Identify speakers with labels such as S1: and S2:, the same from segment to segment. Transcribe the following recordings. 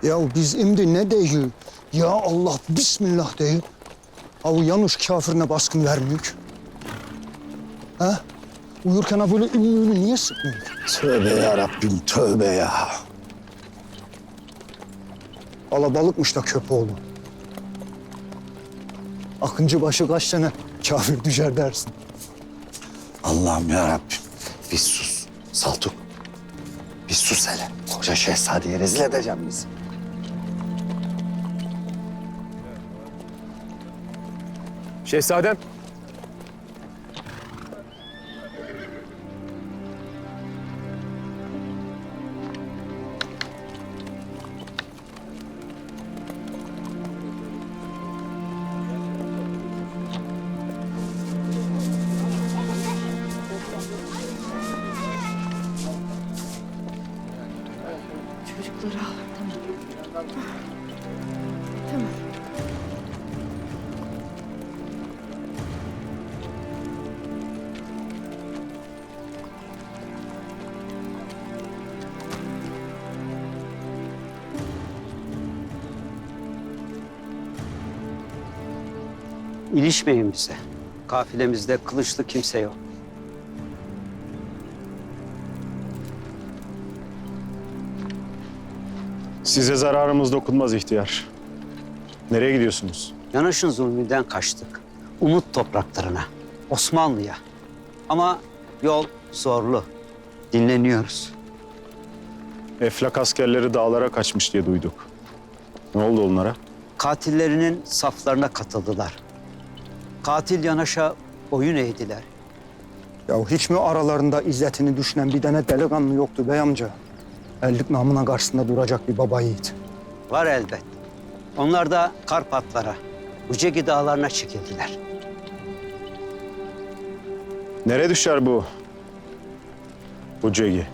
S1: Ya biz şimdi ne değil? Ya Allah bismillah değil. Avu Yanuş kafirine baskın vermiyor. Ha? Uyurken ha böyle ümüğünü niye sıkmıyor? Tövbe ya Rabbim, tövbe ya. Alabalıkmış da Köpoğlu. Akıncı başı kaç tane kafir düşer dersin.
S2: Allah'ım ya Rabbim. Bir sus. Saltuk. Bir sus hele. Koca şehzadeyi rezil edeceğim bizi.
S3: Şehzadem.
S4: Çocukları al. Tamam. Tamam.
S5: İlişmeyin bize. Kafilemizde kılıçlı kimse yok.
S3: Size zararımız dokunmaz ihtiyar. Nereye gidiyorsunuz?
S5: Yanaş'ın zulmünden kaçtık. Umut topraklarına, Osmanlı'ya. Ama yol zorlu. Dinleniyoruz.
S3: Eflak askerleri dağlara kaçmış diye duyduk. Ne oldu onlara?
S5: Katillerinin saflarına katıldılar. Katil Yanaş'a boyun eğdiler.
S1: Ya hiç mi aralarında izzetini düşünen bir tane delikanlı yoktu bey amca? Ellik namına karşısında duracak bir baba yiğit.
S5: Var elbet. Onlar da Karpatlara, Ucegi dağlarına çekildiler.
S3: Nereye düşer bu Ucegi?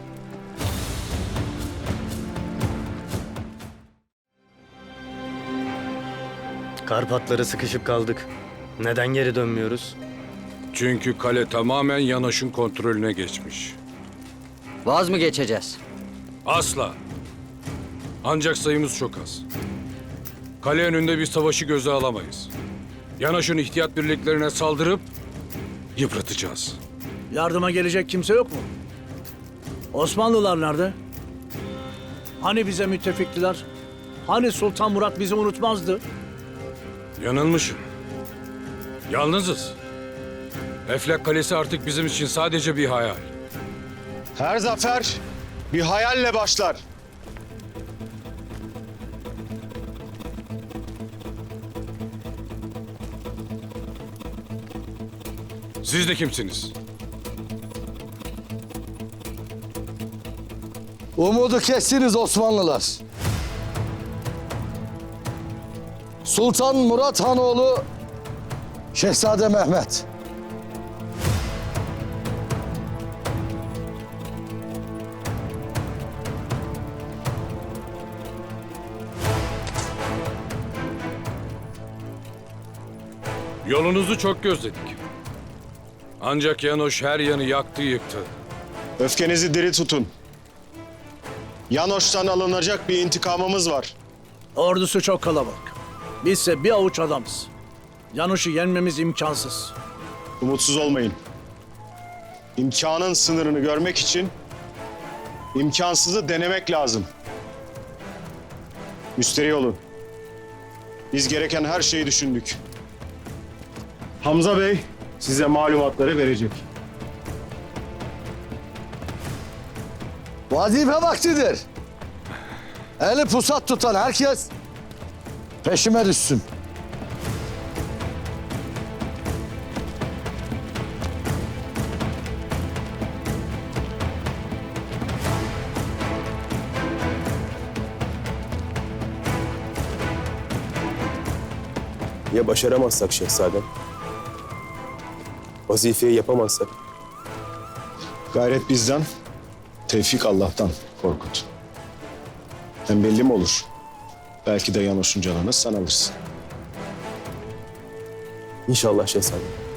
S6: Karpatlara sıkışıp kaldık. Neden geri dönmüyoruz?
S7: Çünkü kale tamamen Yanaş'ın kontrolüne geçmiş.
S8: Vaz mı geçeceğiz?
S7: Asla. Ancak sayımız çok az. Kale önünde bir savaşı göze alamayız. Yanaş'ın ihtiyat birliklerine saldırıp yıpratacağız.
S9: Yardıma gelecek kimse yok mu? Osmanlılar nerede? Hani bize müttefiktiler? Hani Sultan Murat bizi unutmazdı?
S7: Yanılmışım. Yalnızız. Eflak Kalesi artık bizim için sadece bir hayal.
S3: Her zafer bir hayalle başlar.
S7: Siz de kimsiniz?
S2: Umudu kestiniz Osmanlılar. Sultan Murat Hanoğlu Şehzade Mehmet.
S7: Yolunuzu çok gözledik. Ancak Yanoş her yanı yaktı yıktı.
S3: Öfkenizi diri tutun. Yanoş'tan alınacak bir intikamımız var.
S9: Ordusu çok kalabalık. Bizse bir avuç adamız. Yanuş'u yenmemiz imkansız.
S3: Umutsuz olmayın. İmkanın sınırını görmek için imkansızı denemek lazım. Müsterih olun. Biz gereken her şeyi düşündük. Hamza Bey size malumatları verecek.
S2: Vazife vaktidir. Eli pusat tutan herkes peşime düşsün.
S10: Ya başaramazsak şehzadem? Vazifeyi yapamazsak?
S3: Gayret bizden, tevfik Allah'tan Korkut. Hem belli mi olur? Belki de Yanoş'un canını sen alırsın.
S10: İnşallah şehzadem.